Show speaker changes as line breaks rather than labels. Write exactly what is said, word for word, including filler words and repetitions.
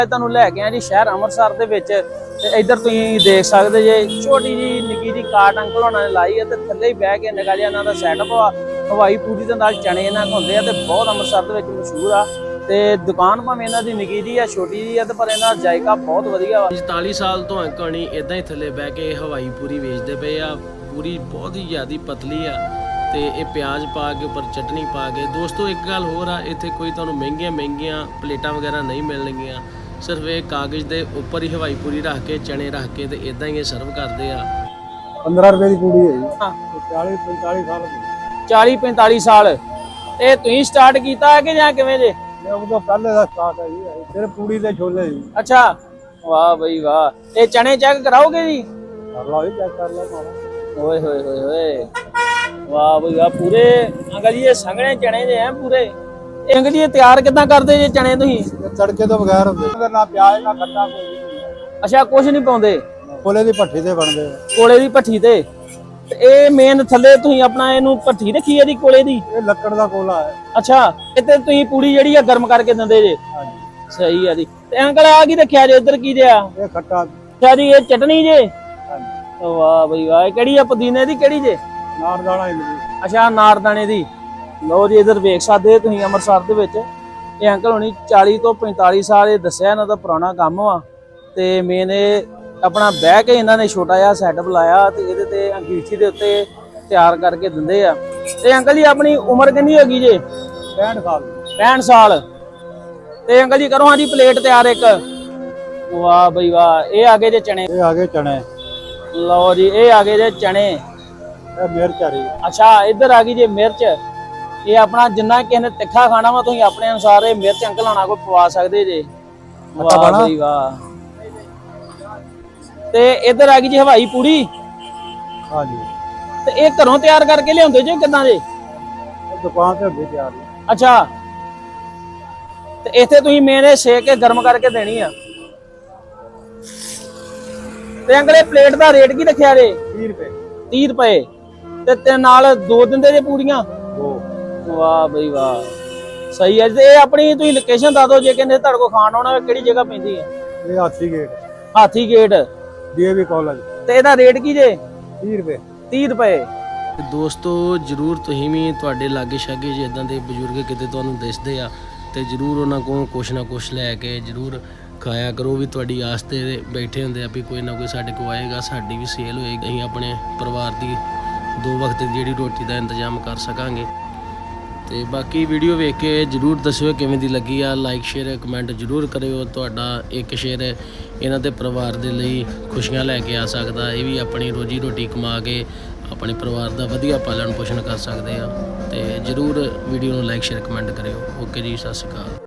ਤੁਹਾਨੂੰ ਲੈ ਕੇ ਆ ਜੀ ਸ਼ਹਿਰ ਅੰਮ੍ਰਿਤਸਰ ਦੇ ਵਿੱਚ ਤੇ ਇੱਧਰ ਤੁਸੀਂ ਦੇਖ ਸਕਦੇ ਜੇ ਛੋਟੀ ਜੀ ਨਿੱਕੀ ਜੀ ਕਾਟ ਅੰਕਲ ਹੋਣਾ ਨੇ ਲਾਈ ਹੈ ਤੇ ਥੱਲੇ ਹੀ ਬਹਿ ਕੇ ਨਿਕਾ ਜਿਹਾ ਇਹਨਾਂ ਦਾ ਸੈਟਅਪ ਆ। ਹਵਾਈ ਪੂਰੀ ਦੇ ਨਾਲ ਚਣੇ ਇਹਨਾਂ ਹੁੰਦੇ ਆ ਤੇ ਬਹੁਤ ਅੰਮ੍ਰਿਤਸਰ ਦੇ ਵਿੱਚ ਮਸ਼ਹੂਰ ਆ ਤੇ ਦੁਕਾਨ ਭਾਵੇਂ ਇਹਨਾਂ ਦੀ ਨਿੱਕੀ ਜੀ ਆ ਛੋਟੀ ਜੀ ਆ ਤੇ ਪਰ ਇਹਨਾਂ ਦਾ ਜਾਇਕਾ ਬਹੁਤ ਵਧੀਆ ਵਾ।
ਚੁਤਾਲੀ ਸਾਲ ਤੋਂ ਅੰਕਲ ਨਹੀਂ ਇਦਾਂ ਹੀ ਥੱਲੇ ਬਹਿ ਕੇ ਹਵਾਈ ਪੂਰੀ ਵੇਚਦੇ ਪਏ ਆ। ਪੂਰੀ ਬਹੁਤ ਹੀ ਜ਼ਿਆਦਾ ਪਤਲੀ ਆ ਤੇ ਇਹ ਪਿਆਜ਼ ਪਾ ਕੇ ਉੱਪਰ ਚਟਨੀ ਪਾ ਕੇ। ਦੋਸਤੋ ਇੱਕ ਗੱਲ ਹੋਰ ਆ, ਇੱਥੇ ਕੋਈ ਤੁਹਾਨੂੰ ਮਹਿੰਗੀਆਂ ਮਹਿੰਗੀਆਂ ਪਲੇਟਾਂ ਵਗੈਰਾ ਨਹੀਂ ਮਿਲਣਗੀਆਂ। ਸਿਰਫ ਇਹ ਕਾਗਜ਼ ਦੇ ਉੱਪਰ ਹੀ ਹਵਾਈ ਪੂਰੀ ਰੱਖ ਕੇ ਚਣੇ ਰੱਖ ਕੇ ਤੇ ਇਦਾਂ ਹੀ ਇਹ ਸਰਵ ਕਰਦੇ ਆ।
पंद्रह रुपए की पूरी है जी। चालीस पैंतालीस साल
चालीस पैंतालीस साल ਇਹ ਤੁਸੀਂ ਸਟਾਰਟ ਕੀਤਾ ਹੈ ਕਿ ਜਾਂ ਕਿਵੇਂ ਜੇ?
ਉਹ ਤਾਂ ਪਹਿਲੇ ਦਾ ਸਟਾਰਟ ਹੈ ਜੀ। ਸਿਰਫ ਪੂੜੀ ਤੇ ਛੋਲੇ ਜੀ।
ਅੱਛਾ ਵਾਹ ਬਈ ਵਾਹ। ਇਹ ਚਣੇ ਚੈੱਕ ਕਰਾਓਗੇ ਜੀ?
ਕਰ ਲਓ ਜੀ, ਚੈੱਕ ਕਰ ਲਓ ਮਾਰਾ।
ਓਏ ਹੋਏ ਹੋਏ ਹੋਏ ਵਾਹ ਬਈ ਵਾਹ। ਪੂਰੇ ਅੰਕਲ ਜੀ ਇਹ ਸੰਘਣੇ ਚਣੇ ਜੇ ਹੈ ਪੂਰੇ। ਇਹ ਅੰਕਲ ਜੀ ਇਹ ਤਿਆਰ ਕਿੱਦਾਂ ਕਰਦੇ ਜੇ ਚਣੇ ਤੁਸੀਂ?
ਇਹ ਤੜਕੇ ਤੋਂ ਬਗੈਰ ਹੁੰਦੇ, ਨਾ ਪਿਆਜ਼ ਨਾ ਖੱਟਾ ਕੋਈ।
ਅੱਛਾ ਕੁਝ ਨਹੀਂ ਪਾਉਂਦੇ?
ਕੋਲੇ ਦੀ ਭੱਠੀ ਤੇ ਬਣਦੇ ਆ।
ਕੋਲੇ ਦੀ ਭੱਠੀ ਤੇ ਤੇ ਇਹ ਮੇਨ ਥੱਲੇ ਤੁਸੀਂ ਆਪਣਾ ਇਹਨੂੰ ਭੱਠੀ ਰੱਖੀ ਹੈ ਜੀ ਕੋਲੇ ਦੀ?
ਇਹ ਲੱਕੜ ਦਾ ਕੋਲਾ ਹੈ।
ਅੱਛਾ ਇੱਥੇ ਤੁਸੀਂ ਪੂੜੀ ਜਿਹੜੀ ਆ ਗਰਮ ਕਰਕੇ ਦਿੰਦੇ ਜੇ?
ਹਾਂਜੀ
ਸਹੀ ਆ ਜੀ। ਤੇ ਅੰਕਲ ਆ ਕੀ ਰੱਖਿਆ ਜੇ ਇੱਧਰ ਕੀ ਜਿਆ?
ਇਹ ਖੱਟਾ।
ਅੱਛਾ ਜੀ ਇਹ ਚਟਨੀ ਜੇ?
ਹਾਂਜੀ
ਵਾਹ ਬਈ ਵਾਹ। ਇਹ ਕਿਹੜੀ ਆ? ਪੁਦੀਨੇ ਦੀ ਕਿਹੜੀ ਜੇ?
ਨਾਰ ਦਾਣਾ ਇਮਲੀ।
ਅੱਛਾ ਨਾਰਦਾਣੇ ਦੀ। ਲਓ ਜੀ ਇੱਧਰ ਵੇਖ ਸਕਦੇ ਤੁਸੀਂ ਅੰਮ੍ਰਿਤਸਰ ਦੇ ਵਿੱਚ ਇਹ ਅੰਕਲ ਹੋਣੀ ਚਾਲੀ ਤੋਂ ਪੈਂਤਾਲੀ ਸਾਲ ਇਹ ਦੱਸਿਆ ਇਹਨਾਂ ਦਾ ਪੁਰਾਣਾ ਕੰਮ ਵਾ ਤੇ ਮੇਨ ਇਹ ਆਪਣਾ ਬਹਿ ਕੇ ਇਹਨਾਂ ਨੇ ਛੋਟਾ ਜਿਹਾ ਸੈਟਅਪ ਲਾਇਆ ਤੇ ਇਹਦੇ ਤੇ ਅੰਗੀਠੀ ਦੇ ਉੱਤੇ ਤਿਆਰ ਕਰਕੇ ਦਿੰਦੇ ਆ। ਤੇ ਅੰਕਲ ਜੀ ਆਪਣੀ ਉਮਰ ਕਿੰਨੀ ਹੋ ਗਈ ਜੇ?
ਪੈਂਹਠ ਸਾਲ।
ਪੈਂਹਠ ਸਾਲ। ਤੇ ਅੰਕਲ ਜੀ ਕਰੋ ਹਾਂ ਜੀ ਪਲੇਟ ਤਿਆਰ ਇੱਕ। ਵਾਹ ਬਈ ਵਾਹ। ਇਹ ਆ ਗਏ ਜੇ ਚਣੇ।
ਇਹ ਆ ਗਏ ਚਣੇ।
ਲਓ ਜੀ ਇਹ ਆ ਗਏ ਜੇ ਚਣੇ।
ਇਹ ਮਿਰਚ ਆ ਰਹੀ।
ਅੱਛਾ ਇੱਧਰ ਆ ਗਈ ਜੇ ਮਿਰਚ। ਇਹ ਆਪਣਾ ਜਿੰਨਾ ਕਿਸੇ ਨੇ ਤਿੱਖਾ ਖਾਣਾ ਵਾ ਤੁਸੀਂ ਆਪਣੇ ਅਨੁਸਾਰ ਇਹ ਮਿਰਚ ਅੰਕਲ ਹੋਣਾ ਕੋਈ ਪਵਾ ਸਕਦੇ ਜੇ। ਵਾਹ ਬਈ ਵਾਹ। ਤੇ ਇੱਧਰ ਆ ਗਈ ਜੀ ਹਵਾਈ ਪੂਰੀ।
ਹਾਂਜੀ
ਤੇ ਇਹ ਘਰੋਂ ਤਿਆਰ ਕਰਕੇ ਲਿਆਉਂਦੇ ਜੇ ਕਿੱਦਾਂ ਜੇ?
ਦੁਕਾਨ ਤੇ ਹੁੰਦੀ ਤਿਆਰ।
ਅੱਛਾ ਤੇ ਇੱਥੇ ਤੁਸੀਂ ਮੇਨ ਇਹ ਸੇਕ ਕੇ ਗਰਮ ਕਰਕੇ ਦੇਣੀ ਆ। ਤੇ ਅੰਕਲ ਇਹ ਪਲੇਟ ਦਾ ਰੇਟ ਕੀ ਰੱਖਿਆ ਜੇ?
ਤੀਹ ਰੁਪਏ।
ਤੀਹ ਰੁਪਏ। ਤੇ ਤੇ ਨਾਲ ਦੋ ਦਿੰਦੇ ਜੇ ਪੂਰੀਆਂ?
ਦੋ।
ਵਾਹ ਬਈ ਵਾਹ ਸਹੀ ਹੈ। ਤੇ ਇਹ ਆਪਣੀ ਤੁਸੀਂ ਲੋਕੇਸ਼ਨ ਦੱਸ ਦਿਓ ਜੇ ਕਹਿੰਦੇ ਤੁਹਾਡੇ ਕੋਲ ਖਾਣ ਆਉਣਾ ਕਿਹੜੀ ਜਗ੍ਹਾ ਪੈਂਦੀ ਹੈ?
ਇਹ ਹਾਥੀ ਗੇਟ।
ਹਾਥੀ ਗੇਟ
ਡੀਏਵੀ ਕਾਲਜ।
ਤੇ ਇਹਦਾ ਰੇਟ ਕੀ ਜੇ?
ਤੀਹ ਰੁਪਏ।
ਤੀਹ ਰੁਪਏ।
ਤੇ ਦੋਸਤੋ ਜਰੂਰ ਤੁਸੀਂ ਵੀ ਤੁਹਾਡੇ ਲਾਗੇ ਛਾਗੇ ਜੇ ਇਦਾਂ ਦੇ ਬਜ਼ੁਰਗ ਕਿਤੇ ਤੁਹਾਨੂੰ ਦਿਸਦੇ ਆ ਤੇ ਜਰੂਰ ਉਹਨਾਂ ਕੋਲ ਕੁਛ ਨਾ ਕੁਛ ਲੈ ਕੇ ਜਰੂਰ ਖਾਇਆ ਕਰੋ। ਵੀ ਤੁਹਾਡੀ ਆਸ ਤੇ ਬੈਠੇ ਹੁੰਦੇ ਆ ਵੀ ਕੋਈ ਨਾ ਕੋਈ ਸਾਡੇ ਕੋਲ ਆਏਗਾ, ਸਾਡੀ ਵੀ ਸੇਲ ਹੋਏਗੀ, ਅਸੀਂ ਆਪਣੇ ਪਰਿਵਾਰ ਦੀ ਦੋ ਵਕਤ ਦੀ ਜਿਹੜੀ ਰੋਟੀ ਦਾ ਇੰਤਜ਼ਾਮ ਕਰ ਸਕਾਂਗੇ। ਤੇ ਬਾਕੀ ਵੀਡੀਓ ਵੇਖ ਕੇ ਜਰੂਰ ਦੱਸਿਓ ਕਿਵੇਂ ਦੀ ਲੱਗੀ ਆ। ਲਾਈਕ ਸ਼ੇਅਰ ਕਮੈਂਟ ਜਰੂਰ ਕਰਿਓ। ਤੁਹਾਡਾ ਇੱਕ ਸ਼ੇਅਰ ਇਹਨਾਂ ਦੇ ਪਰਿਵਾਰ ਦੇ ਲਈ ਖੁਸ਼ੀਆਂ ਲੈ ਕੇ ਆ ਸਕਦਾ। ਇਹ ਵੀ ਆਪਣੀ ਰੋਜੀ ਰੋਟੀ ਕਮਾ ਕੇ ਆਪਣੇ ਪਰਿਵਾਰ ਦਾ ਵਧੀਆ ਪਾਲਣ ਪੋਸ਼ਣ ਕਰ ਸਕਦੇ ਆ। ਤੇ ਜਰੂਰ ਵੀਡੀਓ ਨੂੰ ਲਾਈਕ ਸ਼ੇਅਰ ਕਮੈਂਟ ਕਰਿਓ। ਓਕੇ ਜੀ, ਸਤਿ ਸ਼੍ਰੀ ਅਕਾਲ।